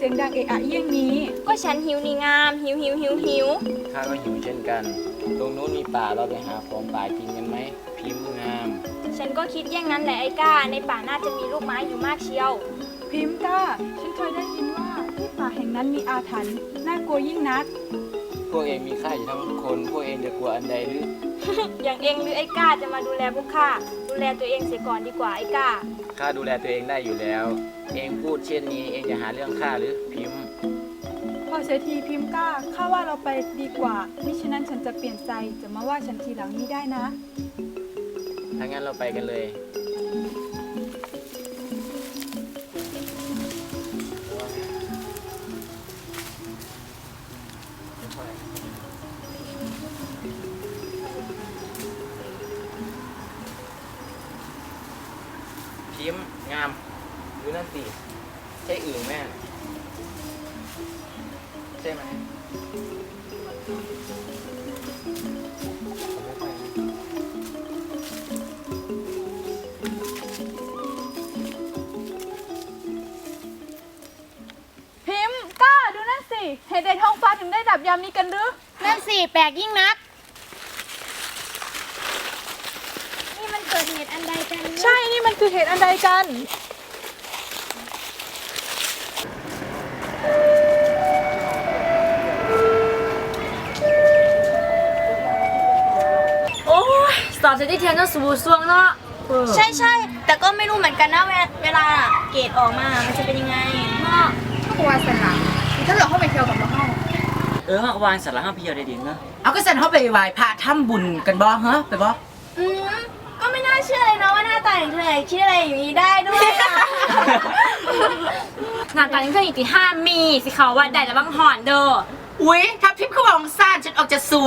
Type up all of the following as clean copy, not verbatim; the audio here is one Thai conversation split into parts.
สียงดังเอะอะเยี่ยงนี้ก็ฉันหิวนี่งามหิวข้าก็หิวเช่นกัน ตรงนู้นมีป่าเราไปหาของป่ากินกันไหมพิมพ์งามฉันก็คิดอย่างนั้นแหละไอ้ก้าในป่าน่าจะมีลูกไม้อยู่มากเชียวพิมพ์ก้าฉันเคยได้ยินว่าที่ป่าแห่งนั้นมีอาถรรพ์น่ากลัวยิ่งนักพวกเองมีข้าอยู่ทั้งคน พวกเองจะกลัวอันใดหรืออย่างเองหรือไอ้ก้าจะมาดูแลพวกข้าดูแลตัวเองเสียก่อนดีกว่าไอ้ก้าข้าดูแลตัวเองได้อยู่แล้ว เองพูดเช่นนี้เองจะหาเรื่องข้าหรือพิมพ์พอเสียทีพิมพ์ก้าข้าว่าเราไปดีกว่ามิฉะนั้นฉันจะเปลี่ยนใจจะมาว่าฉันทีหลังนี้ได้นะถ้างั้นเราไปกันเลย พิมพ์งามดูนั่นสิใช่อื่นแม่ใช่ไหมพิมพ์ก้าดูนั่นสิเหตุใดท้องฟ้าถึงได้ดับยามนี้กันหรือนั่นสิแปลกยิ่งนัก นี่มันเกิดเหตุอันใดกันใช่นี่มันคือเหตุอันใดกันโอ้ยสอบเสร็จที่เทียนต้องสูบสวงเนาะใช่แต่ก็ไม่รู้เหมือนกันนะเวลาเกรดออกมามันจะเป็นยังไงก็วางสนามถ้าเราเข้าไปเที่ยวกับมาเข้าเขาก็วางสาระห้าพี่เอาได้ดีเนาะเอาก็สันเข้าไปไหว้พระทำบุญกันบ่ฮะไปบ่ก็ไม่น่าเชื่อเลยนะว่าหน้าตาอย่างเธอคิดอะไรอย่างนี้ได้ด้วยอะงานการนี้เพื่อนอีกที่ห้ามีสิเขาว่าได้แล้วบางหอนเด้ออุ๊ยถ้าพิมพ์เขาบอกซ่านฉันออกจะสวย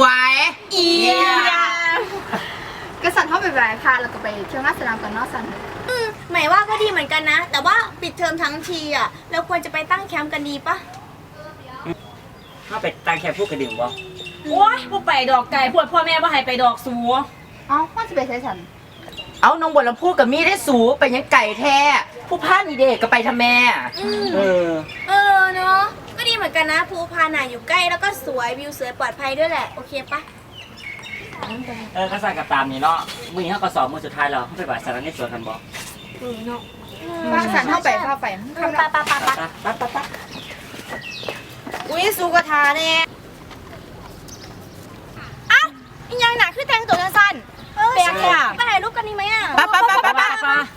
ก็สันเข้าไปไหว้พระแล้วก็ไปเที่ยวหน้าสนามกันเนอกสันหมายว่าก็ดีเหมือนกันนะ แต่ว่าปิดเทอมทั้งทีอ่ะเราควรจะไปตั้งแคมป์กันดีปะถ้าไปตั้งแค่พูดกระดิ่งบ่โอ้ยพวกไปดอกไก่พวดพ่อแม่ว่าให้ไปดอกสูเอ้าว่าจะไปใช้สันเอาน้องบัวลำพูกับมีได้สูไปยังไก่แท้ผู้พานี่เด็กก็ไปทำแม่เออเนาะก็ดีเหมือนกันนะภูพานน่ะอยู่ใกล้แล้วก็สวยวิวสวยปลอดภัยด้วยแหละโอเคปะก็สั่งกับตามนี่เนาะมือนี้เขาก็สอบมือสุดท้ายแล้วเขาไปบ่ายสาระในสวนกันบ่ว่าสันเข้าไปเข้าไปปะปั๊บอุ้ยสูกทาเนี่ยอ้าวอีกอย่างหนักคือแต่งตัวสั้นๆแปลกอ่ะไปถ่ายรูปกันดีไหมอ่ะป้าป้าป้าป้าป้า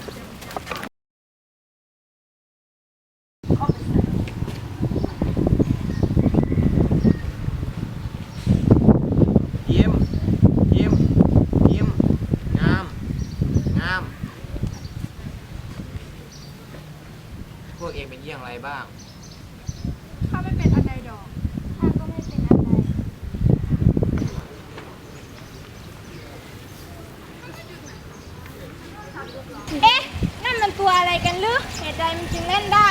พิมพ์พิมพ์พิมพ์งามงาม พวกเองเป็นเยี่ยงไรบ้างข้าไม่เป็นอันใดดอกข้าก็ไม่เป็นอะไรเอ๊ะนั่นมันตัวอะไรกันหรือเหตุใดมันจึงเล่นได้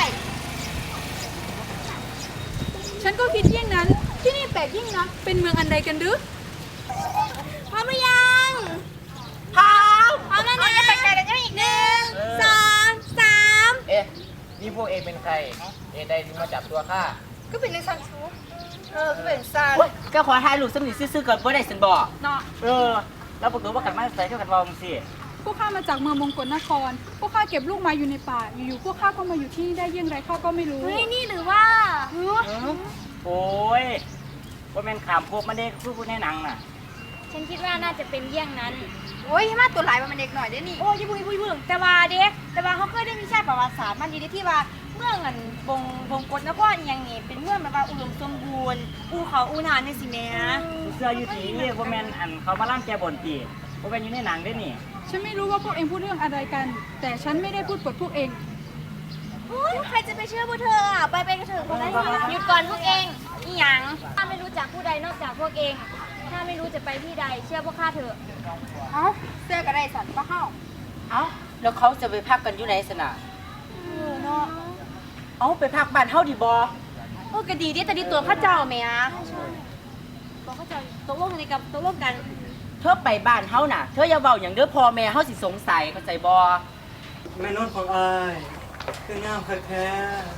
ฉันก็คิดเยี่ยงนั้น ที่นี่แปลกยิ่งนักเป็นเมืองอันใดกันหรือพร้อมหรือยังพร้อมแล้วนะจะไปไกลกันอีกหนึ่งสองสามเอ๊ะ นี่พวกเองเป็นใครเองใดถึงมาจับตัวข้าก็เป็นในสันชูก็เป็นสันก็ขอถ่ายรูปสนิทซื่อๆก่อนบ่ได้สันบอกเนาะแล้วประตูว่ากันมาใส่เท่ากันวองสิพวกข้ามาจากเมืองมงกลนคร พวกข้าเก็บลูกไม้อยู่ในป่า อยู่ๆพวกข้าก็มาอยู่ที่นี่ได้เยี่ยงไรข้าก็ไม่รู้เฮ้ยนี่หรือว่าโอ้ยว่าแม่นขามพวกมันเด็กพูดในหนังน่ะฉันคิดว่าน่าจะเป็นเยี่ยงนั้นโอ้ยมาตัวหลายมันเด็กหน่อยได้นี่โอ้ยบุยแต่ว่าเด็กแต่ว่าเขาเคยได้วิชาประวัติศาสตร์มันดีที่ว่าเมืองอันบงกฎนครอหย่างนี้เป็นเมืองแบบว่าอุดมสมบูรณ์อูเขาอูนานนี่สิแม่เสื้ออยู่ที่ว่าแม่นอันเขามาล่ำแกบนตีว่าแม่นอยู่ในหนังได้นี่ฉันไม่รู้ว่าพวกเองพูดเรื่องอะไรกัน แต่ฉันไม่ได้พูดปดพวกเองโอ้ยใครจะไปเชื่อพวกเธออ่ะไปกันเถอะคนละหยุดก่อนพวกเองอีหยังถ้าไม่รู้จักผู้ใดนอกจากพวกเอง ถ้าไม่รู้จะไปที่ใดเชื่อพวกข้าเถอะเอ้าเสื้อก็ได้สันป้าเข้าเอ้าแล้วเขาจะไปพักกันอยู่ไหนสนะเนาะเอ้าไปพักบ้านเฮาดีบ่โอ้ก็ดีดิแต่ดีตัวข้าเจ้าแม่บอกเขาจะตกลงในกับตกลงกันเธอไปบ้านเฮาน่ะ เธออย่าเว้าอย่างเด้อพ่อแม่เฮาสิสงสัยเข้าใจบ่แม่นุ่นของอ้ายคืองามคักแท้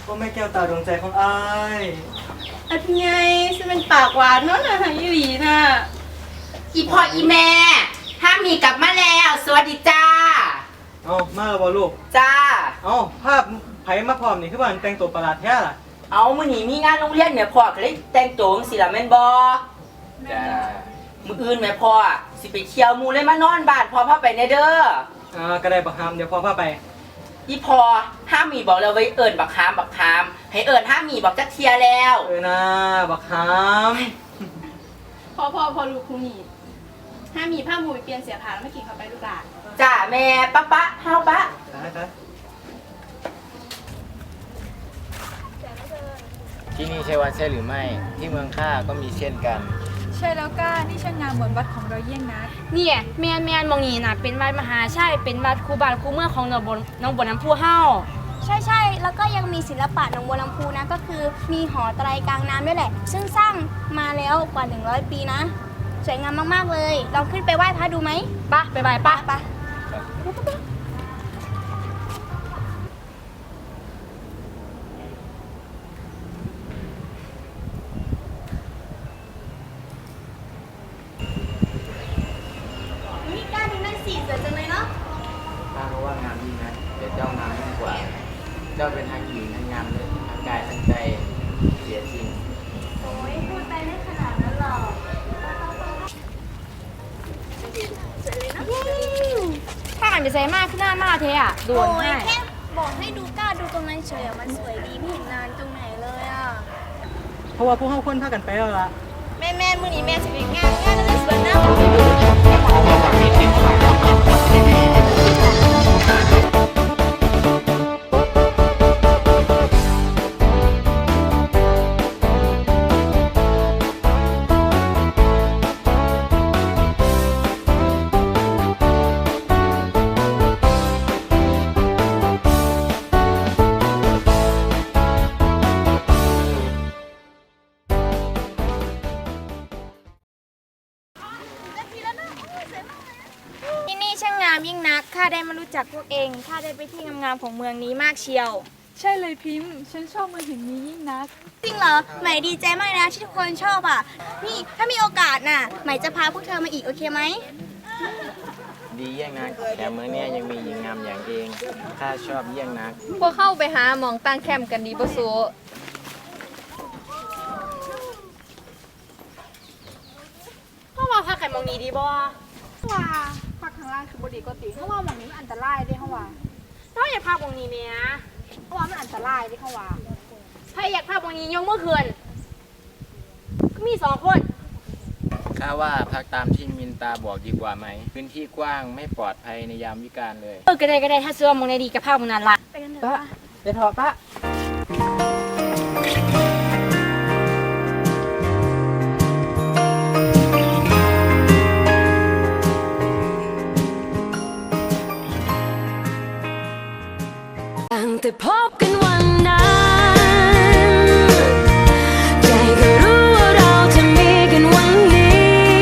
ว่าแม่แก้วตาดวงใจของอายอันไงฉันเป็นปากหวานเนาะนะอีหลีน่ะอีพ่ออีแม่ถ้ามีกลับมาแล้ว สวัสดีจ้าเอามาแล้วบ่ลูกจ้าเอาภาพไผมาพร้อมนี่คือว่าแต่งตัวประหลาดแท้ล่ะเอามื้อนี้มีงานโรงเรียนแม่พ่อก็เลยแต่งตัวจังซี่ล่ะแม่นบ่จ้ามื้ออื่นแม่พ่อสิไปเที่ยวหมู่เลยมานอนบ้านพ่อพาไปแน่เด้อก็ได้บักฮามเดี๋ยวพ่อพาไปอีพ่อห้ามมีบอกแล้วไว้เอิ้นบักคามให้เอิ้นห้ามมีบอกจักเที่ยแล้วนะบักฮามพอรู้คุณนี่ถ้ามีผ้าหมูเปลี่ยนเสียผ้าแล้วไม่กินเข้าไปลูกหลานจ้าแม่ปะเฮาปะจ้าที่นี่ใช่วัดใช่หรือไม่ ที่เมืองข้าก็มีเช่นกันใช่แล้วก้านี่ช่างงามเหมือนวัดของเราเยี่ยงนักเนี่ยแมนมองนี่น่ะเป็นวัดมหาชัยเป็นวัดคูบานคูเมืองของน้องบนน้ำพุเฮาใช่แล้วก็ยังมีศิลปะหนองบัวลำพูนะก็คือมีหอไตรกลางน้ำด้วยแหละ ซึ่งสร้างมาแล้วกว่า100 ปีนะ สวยงามมากๆเลยลองขึ้นไปไหว้พระดูไหมปะไปไปปะไปนี่กล้าดูนั่นสิสวยจังเลยเนาะข้าก็ว่างามยิ่งนะแต่เจ้างามยิ่งกว่า เจ้าเป็นทั้งหญิงทั้งงามเลยทั้งกายทั้งใจเสียจริงโอ้ยพูดไปไม่ขนาดนั้นหรอกถ้าอ่านจะใส่มากขึ้นหน้ามากเทอ่ะด่วนโอ้ยให้แค่บอกให้ดูกล้าดูตรงนั้นเฉยอะมันสวยดีไม่เห็นนานตรงไหนเลยอ่ะเพราะว่าพวกเฮาคนพากันไปแล้วล่ะแม่มือนี้แม่จะไปงานก็เลยสวยนะ ที่นี่ช่างงามยิ่งนัก ข้าได้มารู้จักพวกเอง ข้าได้ไปที่งามๆของเมืองนี้มากเชียวใช่เลยพิมพ์ ฉันชอบเมืองแห่งนี้ยิ่งนักจริงเหรอ ใหม่ดีใจมากนะที่ทุกคนชอบอ่ะ นี่ถ้ามีโอกาสน่ะ ใหม่จะพาพวกเธอมาอีกโอเคไหมดีเยี่ยงนักแถมเมืองเนี้ยยังมีหญิงงามอย่างเองข้าชอบเยี่ยงนักพวกเข้าไปหาหมองตั้งแคมป์กันดีบ่สูพ่อมาพักกันมองนี้ดีบ่ว่าพักข้างล่างคือบดีก็ติเพราะว่าหมองนี้มันอันตรายได้เขาว่าถ้าอยากพักมองนี้เนี่ยเพราะว่ามันอันตรายได้เขาว่าถ้าอยากพักมองนี้ยกมือคืนก็มี2 คนข้าว่าพักตามที่มินตาบอกดีกว่าไหม พื้นที่กว้างไม่ปลอดภัยในยามวิกาลเลยก็ได้ถ้าเสื้อมองในดีกับภาพมองนั้นละไปกันเถปะอะไปเถอะปะตั้งแต่พบกันวันนั้นใจก็รู้ว่าเราจะมีกันวันนี้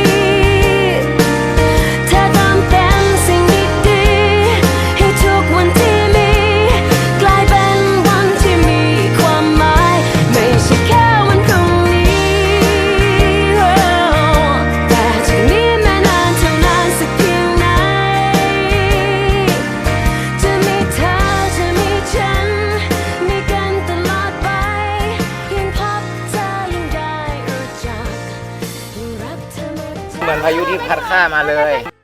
เธอเติมเต็มสิ่งดีๆให้ทุกวันที่มีกลายเป็นวันที่มีความหมายไม่ใช่แค่วันพรุ่งนี้แต่จากนี้แม้นานเท่านานสักเพียงไหนจะมีเธอจะมีฉันมีกันตลอดไปยิ่งพบเธอยิ่งได้รู้จักยิ่งรักเธอหมดใจเหมือนพายุที่พัดข้ามาเลย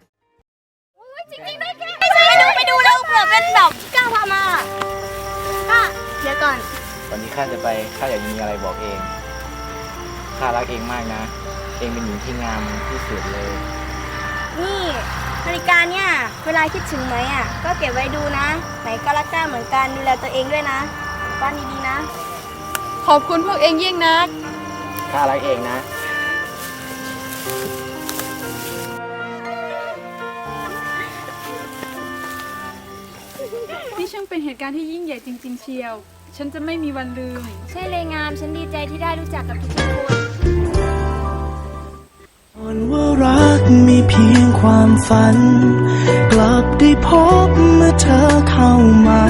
ไปดูแล้วเผื่อเป็นแบบที่กล้าพามาก็เดี๋ยวก่อนก่อนที่ข้าจะไปข้าอยากมีอะไรบอกเอง ข้ารักเองมากนะ เองเป็นหญิงที่งามที่สุดเลยนี่นาฬิกาเนี่ยเวลาคิดถึงไหมอ่ะก็เก็บไว้ดูนะ ไหนก็รักกล้าเหมือนกันดูแลตัวเองด้วยนะบ้านดีๆนะขอบคุณพวกเองยิ่งนักข้ารักเองนะนี่ช่างเป็นเหตุการณ์ที่ยิ่งใหญ่จริง ๆ เชียว ฉันจะไม่มีวันลืมใช่เลยงามฉันดีใจที่ได้รู้จักกับทุกคนอ่อนว่ารักมีเพียงความฝัน กลับได้พบเมื่อเธอเข้ามา